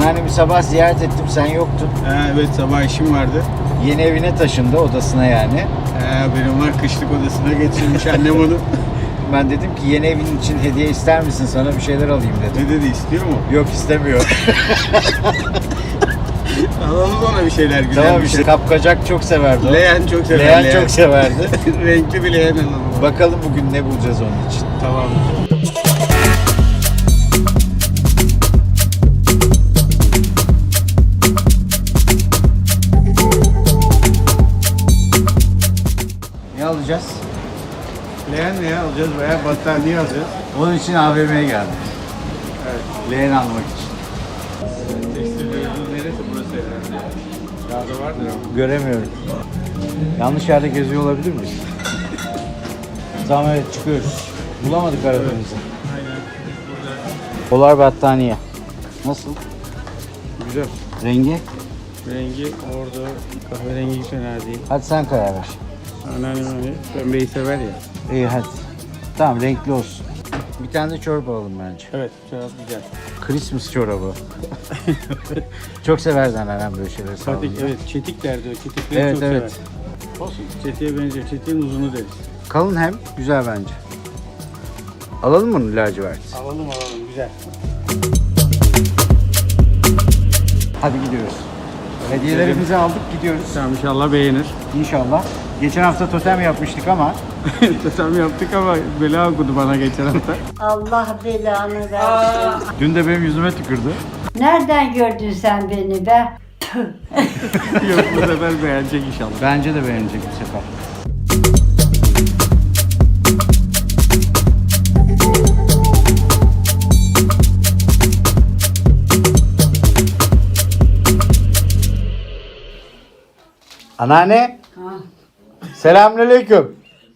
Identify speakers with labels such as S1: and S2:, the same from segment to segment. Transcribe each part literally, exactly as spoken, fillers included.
S1: Anneannemi sabah ziyaret ettim, sen yoktun.
S2: Ha, evet sabah işim vardı.
S1: Yeni evine taşındı, odasına yani.
S2: Ha, benim var kışlık odasına getirmiş annem onu.
S1: Ben dedim ki yeni evin için hediye ister misin, sana bir şeyler alayım dedim.
S2: Ne dedi, istiyor mu?
S1: Yok, istemiyor.
S2: Alalım ona bir şeyler, güzel
S1: Tamam
S2: bir
S1: işte,
S2: şey.
S1: kapkacak çok severdi o.
S2: Leğen çok sever.
S1: Leğen çok severdi.
S2: Renkli bir leğen alalım.
S1: Bakalım bugün ne bulacağız onun için.
S2: Tamam.
S1: Ne alacağız?
S2: Leğen ne alacağız veya battaniye alacağız.
S1: Onun için A V M'ye geldim.
S2: Evet.
S1: Leğen almak için.
S2: Tekstil bölümünün neresi, burası herhalde? Dağda vardır ama.
S1: Göremiyorum. Yanlış yerde geziyor olabilir miyiz? Tamam, evet, çıkıyoruz. Bulamadık aradığımızı.
S2: Aynen. Burada.
S1: Polar battaniye. Nasıl?
S2: Güzel.
S1: Rengi?
S2: Rengi orada kahverengi fena değil.
S1: Hadi sen karar ver.
S2: Anneannem hani pembeyi sever ya.
S1: İyi hadi. Tamam, renkli olsun. Bir tane de çorap alalım bence.
S2: Evet, çorap güzel.
S1: Christmas çorabı. Çok severdi anneannem böyle şeyleri
S2: Fatih,
S1: sağlığında.
S2: evet, çetik derdi o. Çetikleri
S1: Evet,
S2: çok
S1: evet.
S2: sever. Olsun. Çetiğe benziyor. Çetiğin uzunu deriz.
S1: Kalın hem güzel bence. Alalım mı lacivert?
S2: Alalım alalım, güzel.
S1: Hadi gidiyoruz. Hediyelerimizi aldık, gidiyoruz.
S2: Tamam, inşallah beğenir.
S1: İnşallah. Geçen hafta totem yapmıştık ama
S2: Totem yaptık ama bela okudu bana geçen hafta.
S3: Allah belanı versin.
S1: dün de benim yüzüme tükürdü.
S3: Nereden gördün sen beni be?
S2: Yok, bu sefer beğenecek inşallah.
S1: Bence de beğenecek bu sefer. Anneanne,
S3: Ha,
S1: selamünaleyküm.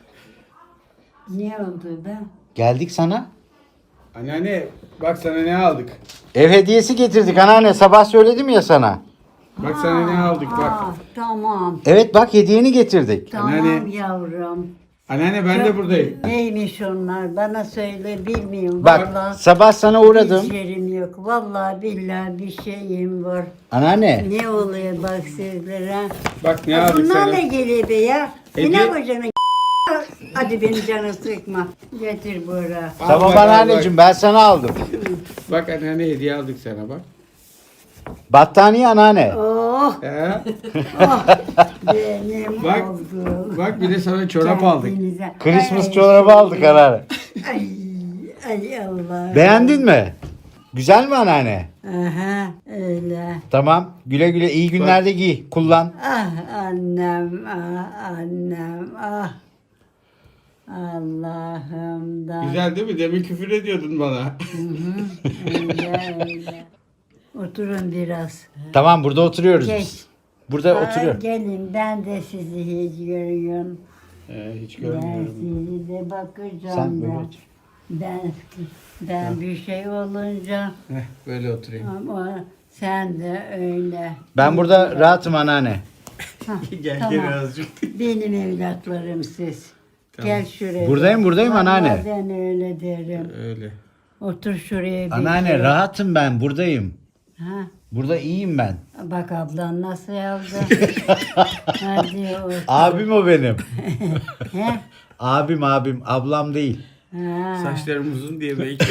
S3: ne oldu be?
S1: Geldik sana.
S2: Anneanne, bak sana ne aldık.
S1: Ev hediyesi getirdik anneanne. Sabah söyledim ya sana.
S2: Bak sana ne aldık bak.
S3: Ah, tamam.
S1: Evet bak, hediyeni getirdik.
S3: Tamam
S2: Anneanne.
S3: yavrum.
S2: Anneanne ben de buradayım.
S3: Neymiş onlar? Bana söyle, bilmiyorum.
S1: Bak
S3: Vallahi
S1: sabah sana uğradım.
S3: hiç yerim yok. Vallahi billahi bir şeyim var.
S1: Anneanne.
S3: Ne oluyor bak sizlere?
S2: Bak ne
S3: Ya
S2: aldık
S3: bunlar
S2: sana.
S3: ne geliyor be ya?
S2: Hediye-
S3: Ne yapacaksın? Hadi beni canı sıkma. Getir buraya.
S2: Al
S1: Tamam
S2: bak, al
S1: anneanneciğim, ben sana aldım.
S2: Bak anneanne, hediye aldık sana bak.
S1: Battaniye anneanne.
S3: Oh,
S2: He?
S3: oh benim
S2: Bak,
S3: oldu.
S2: bak bir de sana çorap aldık.
S3: Kendinize-
S1: Christmas
S3: Ay,
S1: çorabı aldık anneanne.
S3: Ay, ay Allah.
S1: Beğendin mi? Güzel mi anneanne?
S3: Aha, öyle.
S1: Tamam. Güle güle, iyi günlerde giy. Kullan.
S3: Ah annem, ah annem, ah. Allah'ımdan.
S2: Güzel değil mi? Demin küfür ediyordun bana.
S3: Öyle öyle. Oturun biraz.
S1: Tamam, burada oturuyoruz
S3: Geç.
S1: biz. Burada
S3: Ay,
S1: oturuyor.
S3: gelin, ben de sizi hiç görüyorum.
S2: Ee, hiç
S3: Ben
S2: görmüyorum.
S3: sizi de bakacağım.
S1: Sen böyle
S3: ben.
S1: otur.
S3: Ben, ben bir şey olunca
S2: Heh, böyle oturayım.
S3: ama sen de öyle.
S1: Ben burada rahatım anneanne.
S3: Hah,
S2: Gel
S3: tamam.
S2: gel azıcık.
S3: Benim evlatlarım siz.
S2: Tamam.
S3: Gel şuraya.
S1: Buradayım, buradayım
S3: Vallahi
S1: anneanne.
S3: Ben öyle derim.
S2: Öyle.
S3: Otur şuraya. bir
S1: Anneanne
S3: kere.
S1: rahatım ben, buradayım.
S3: Ha,
S1: Burada iyiyim ben.
S3: bak ablan nasıl yazdı. Hadi otur.
S1: Abim o benim.
S3: He?
S1: Abim abim, ablam değil.
S3: Ha.
S2: Saçlarım uzun diye belki.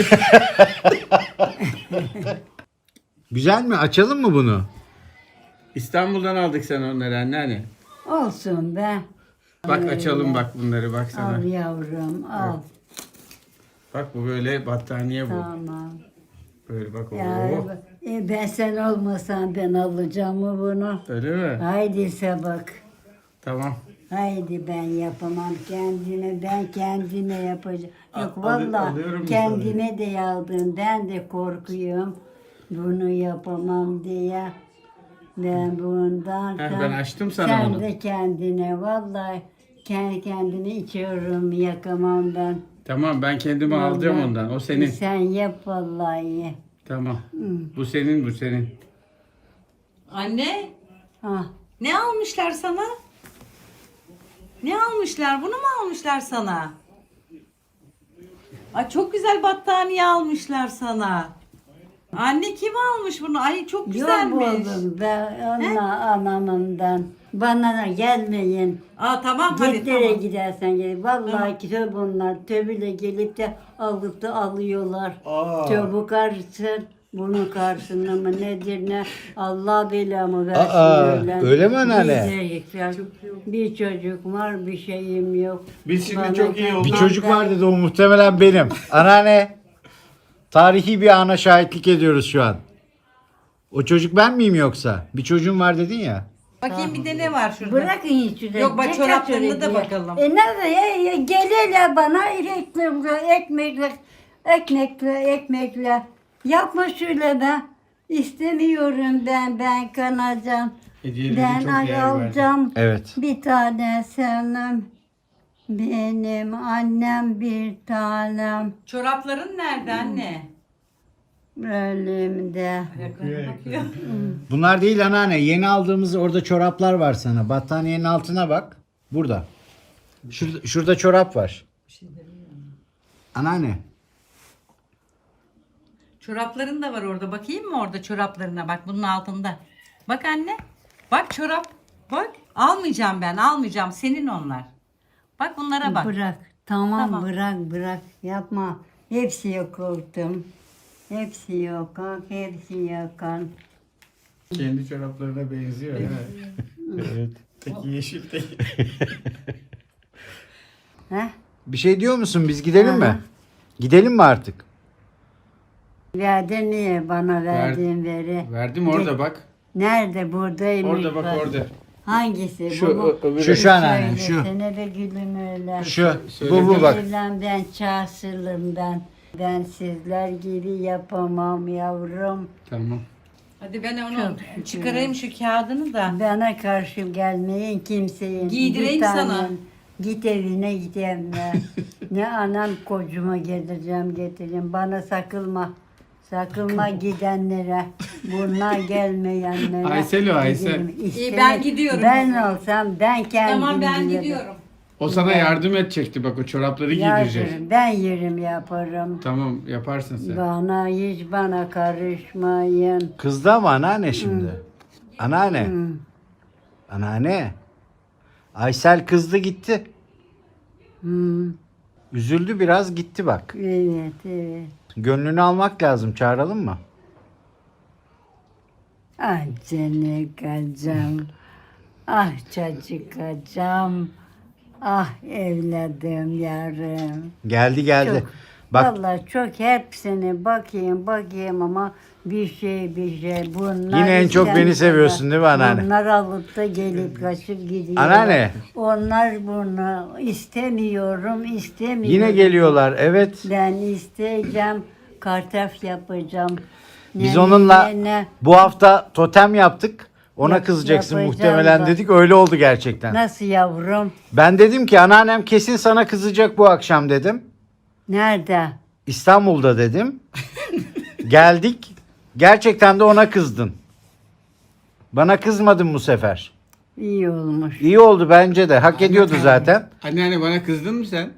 S1: Güzel mi? Açalım mı bunu?
S2: İstanbul'dan aldık sana onları anneanne.
S3: Olsun be.
S2: Bak açalım bak bunları bak sana.
S3: Al yavrum al.
S2: Bak bu böyle battaniye bu.
S3: Tamam.
S2: Böyle bak.
S3: Ya,
S2: Oo.
S3: e, ben sen olmasan ben alacağım mı bunu?
S2: Öyle mi?
S3: Haydi Sabak.
S2: Tamam.
S3: Haydi ben yapamam kendime, ben kendime yapacağım. Yok
S2: Al- alı-
S3: vallahi
S2: alıyorum
S3: kendime de aldım, ben de korkuyorum. Bunu yapamam diye. Ben bundan
S2: Heh,
S3: sen-
S2: ben açtım sana
S3: sen
S2: onu.
S3: de kendine vallahi kendi kendine içiyorum, yakamam ben.
S2: Tamam ben kendime alacağım
S3: Vallahi
S2: ondan. O senin.
S3: Sen yap vallahi.
S2: Tamam. Bu senin bu senin.
S4: Anne,
S3: Ah,
S4: ne almışlar sana? Ne almışlar? Bunu mu almışlar sana? Ay çok güzel battaniye almışlar sana. Anne kim almış bunu? Ay çok
S3: Yok
S4: güzelmiş.
S3: oğlum ben ona anamından. Bana da gelmeyin.
S4: Aa tamam hadi
S3: Git nereye
S4: tamam.
S3: gidersen gel. Vallahi
S4: Tamam.
S3: ki bunlar tövbeyle gelip de alıp da alıyorlar.
S1: Aa.
S3: Tövbe karşısın. Bunun karşısında mı nedir ne? Allah belamı versin.
S1: Aa, öyle mi anneanne?
S3: Gidecekler. Bir çocuk var bir şeyim yok.
S2: Biz şimdi
S3: Bana
S2: çok iyi
S3: gel-
S2: olduk.
S1: Bir çocuk var dedi, o muhtemelen benim. Anneanne, tarihi bir ana şahitlik ediyoruz şu an. O çocuk ben miyim yoksa? Bir çocuğum var dedin ya.
S4: Bakayım bir de ne var şurada?
S3: Bırakın hiç şurada.
S4: Yok, bak
S3: Dikkat
S4: çoraplarına da
S3: edin.
S4: bakalım.
S3: E nerede? E, gel hele bana ekmekle, ekmekle, ekmekle, ekmekle. Yapma şöyle be. İstemiyorum ben, ben kanacağım.
S2: Hediyeleri
S3: Ben
S2: çok
S3: ay
S2: değer verdim.
S3: alacağım.
S1: Evet.
S3: Bir tane sevmem. Benim annem bir tanem.
S4: Çorapların nerede anne?
S3: Ölümde.
S4: Bakıyor.
S1: Bunlar değil anneanne. Yeni aldığımız orada çoraplar var sana. Battaniyenin altına bak. Burada. Şurada, şurada çorap var. Anneanne.
S4: Çorapların da var orada. Bakayım mı orada çoraplarına? Bak bunun altında. Bak anne. Bak çorap. Bak. Almayacağım ben. Almayacağım. Senin onlar. Bak bunlara bak.
S3: Bırak. Tamam,
S4: Tamam.
S3: bırak bırak. Yapma. Hepsi yok oldum. Hepsi yok. Hepsi yakan.
S2: Kendi çoraplarına benziyor. Evet. Teki yeşil teki.
S3: Heh.
S1: Bir şey diyor musun? Biz gidelim
S3: Aha.
S1: mi? Gidelim mi artık?
S3: Verdin niye bana verdiğin veri?
S2: Verdim orada bak.
S3: Nerede? Buradaymış.
S2: Orada bak orada.
S3: Hangisi?
S2: Şu
S3: bu mu?
S2: ö- öbürü.
S1: Şu şu anneanne şu.
S3: Söylesene be gülüm öyle.
S1: Şu.
S2: Söyle.
S1: Bu bu bak.
S3: Evlen ben çağsırlım ben. Ben sizler gibi yapamam yavrum.
S2: Tamam.
S4: Hadi ben onu
S3: Çok
S4: çıkarayım şu kağıdını da.
S3: Bana karşı gelmeyin kimseyin.
S4: Giydireyim
S3: Bir tanem.
S4: sana.
S3: Git evine git evine. Ne anam kocuma getireceğim getireceğim. Bana sakılma. Sakılma gidenlere. Bunlar gelmeyenlere.
S2: Aysel o, Aysel.
S3: gidelim. İşte
S4: İyi, ben gidiyorum.
S3: Ben olsam ben kendim
S4: Tamam ben
S3: giderim.
S4: gidiyorum.
S2: O sana yardım edecekti bak, o çorapları giydirecek.
S3: Yardım, ben yerim yaparım.
S2: Tamam yaparsın sen.
S3: Bana hiç bana karışmayın.
S1: Kızdı ama anneanne şimdi. Anneanne. Anneanne. Aysel kızdı gitti.
S3: Hmm,
S1: Üzüldü biraz, gitti bak.
S3: evet evet.
S1: Gönlünü almak lazım. Çağıralım mı?
S3: Ah canım kocam. Ah çocuk kocam. Ah evladım yarım.
S1: Geldi geldi.
S3: Çok.
S1: Bak
S3: Vallahi çok hepsine bakayım bakayım ama bir şey bir şey. Bunlar
S1: Yine en çok beni
S3: istenmiyorlar.
S1: seviyorsun değil mi anneanne?
S3: Bunlar alıp da gelip kaçıp gidiyor.
S1: Anneanne.
S3: Onlar bunu istemiyorum istemiyorum.
S1: yine geliyorlar. Evet.
S3: Ben isteyeceğim, kartaf yapacağım.
S1: Biz
S3: Ne-
S1: onunla
S3: ne- ne-
S1: bu hafta totem yaptık. Ona
S3: Yap-
S1: kızacaksın
S3: yapacağım
S1: muhtemelen
S3: bak.
S1: dedik. Öyle oldu gerçekten.
S3: Nasıl yavrum?
S1: Ben dedim ki anneannem kesin sana kızacak bu akşam dedim.
S3: Nerede?
S1: İstanbul'da dedim. Geldik. Gerçekten de ona kızdın. Bana kızmadın bu sefer.
S3: İyi olmuş.
S1: İyi oldu bence de. Hak ediyordu zaten.
S2: Anneanne bana kızdın mı sen?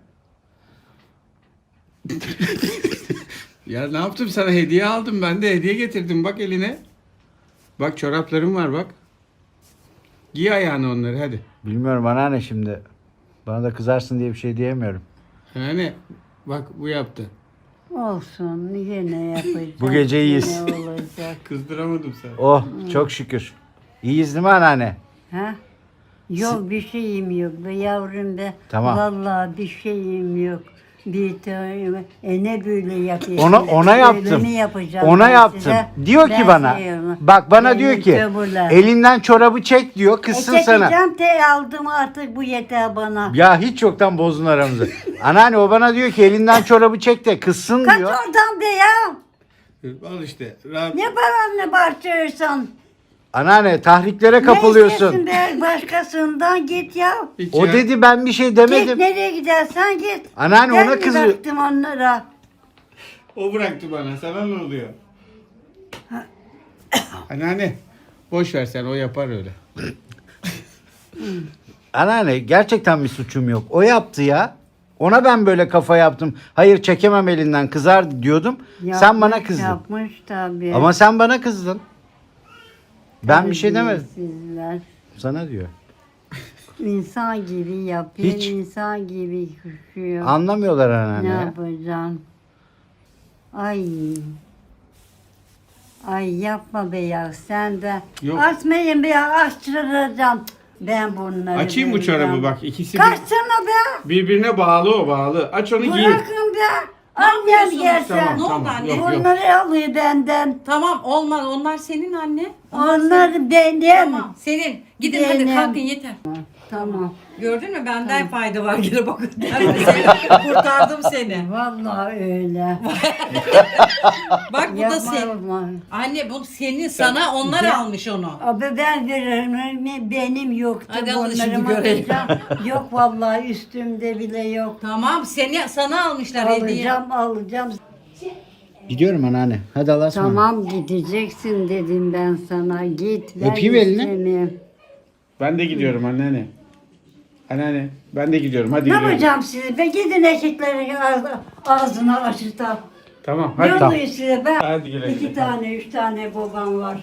S2: Ya ne yaptım, sana hediye aldım, ben de hediye getirdim bak eline. Bak çoraplarım var bak. Giy ayağına onları hadi.
S1: Bilmiyorum anneanne şimdi. Bana da kızarsın diye bir şey diyemiyorum.
S2: Anneanne bak bu yaptı.
S3: Olsun yine yapacağım.
S1: Bu gece iyiyiz.
S3: Yine olacak.
S2: Kızdıramadım seni.
S1: Oh çok şükür. İyiyiz değil mi anneanne?
S3: Ha? Yok bir şeyim yok be yavrum be.
S1: Tamam.
S3: Vallahi bir şeyim yok. Bir tane e ne böyle yapıyorsun?
S1: Ona ona
S3: Böyle
S1: yaptım.
S3: mi yapacağım
S1: Ona
S3: ben
S1: yaptım.
S3: size?
S1: Diyor
S3: Ben
S1: ki bana.
S3: seviyorum.
S1: Bak bana
S3: Benim
S1: diyor ki
S3: tövbeler.
S1: elinden çorabı çek diyor.
S3: E
S1: Kızsın sana.
S3: çekeceğim te aldım artık bu yeter bana.
S1: Ya hiç yoktan bozdun aramızı. Anneanne o bana diyor ki elinden çorabı çek de kızsın
S3: Kaç
S1: diyor.
S3: oradan be ya.
S2: Al işte. Rahat.
S3: Ne paranla bağırtıyorsun?
S1: Anneanne tahriklere
S3: Ne
S1: kapılıyorsun.
S3: istiyorsun be başkasından git ya.
S2: Hiç
S1: O
S2: ya.
S1: dedi ben bir şey
S3: Git
S1: demedim.
S3: nereye gidersen git.
S1: Anneanne
S3: Ben
S1: ona
S3: mi
S1: kızıyor.
S3: baktım onlara?
S2: O bıraktı bana. Sana ne oluyor? Anneanne boş ver sen, o yapar öyle.
S1: Anneanne gerçekten bir suçum yok. O yaptı ya. Ona ben böyle kafa yaptım. Hayır çekemem elinden kızar diyordum. sen bana kızdın.
S3: Yapmış tabii.
S1: Ama sen bana kızdın. Ben bir şey demedim.
S3: Terbiyesizler.
S1: Sana diyor.
S3: İnsan gibi yapıyor,
S1: Hiç.
S3: insan gibi kuşuyor.
S1: Anlamıyorlar
S3: Ne
S1: anneanne ya.
S3: yapacaksın? Ay. Ay yapma be ya sen de.
S2: Yok.
S3: Açmayın be ya açtıracağım. Ben bunları
S2: Açayım bu
S3: vereceğim.
S2: çorabı bak. İkisi bir-
S3: Kaçsana be.
S2: birbirine bağlı o bağlı. Aç onu giy.
S3: Bırakın be.
S4: Ne
S3: Annem
S4: yapıyorsunuz?
S3: gelse.
S4: Ne oldu
S2: Tamam,
S4: anne?
S2: yok, yok.
S3: Bunları alıyor benden.
S4: Tamam olmaz. Onlar senin anne.
S3: Onlar benim.
S4: Tamam senin. Gidin hadi
S3: Benim.
S4: kalkın yeter.
S3: Tamam.
S4: Gördün mü benden fayda var gene bakın. Ben seni kurtardım seni.
S3: Vallahi öyle.
S4: Bak bu da
S3: Yapma,
S4: senin.
S3: yapma.
S4: Anne bu senin sana onlar almış onu.
S3: Abi ben veririm benim yoktu.
S4: Hadi alın şimdi
S3: Bunları
S4: görelim.
S3: alacağım. Yok vallahi üstümde bile yok.
S4: Tamam seni sana almışlar hediye.
S3: Alacağım alacağım.
S1: Gidiyorum anneanne. Hadi Allah'a ısmarladık.
S3: Tamam gideceksin dedim ben sana. Git ben
S1: Öpeyim elini.
S3: istemiyorum.
S2: Ben de gidiyorum anneanne. Anneanne ben de gidiyorum. Hadi
S3: Ne
S2: gidiyorum.
S3: yapacağım sizi? Be gidin eşeklerin ağzı, ağzını açırtan.
S2: Tamam
S3: Ne
S2: hadi.
S3: oluyor size be?
S2: Hadi güle güle.
S3: İki tane, üç tane babam var.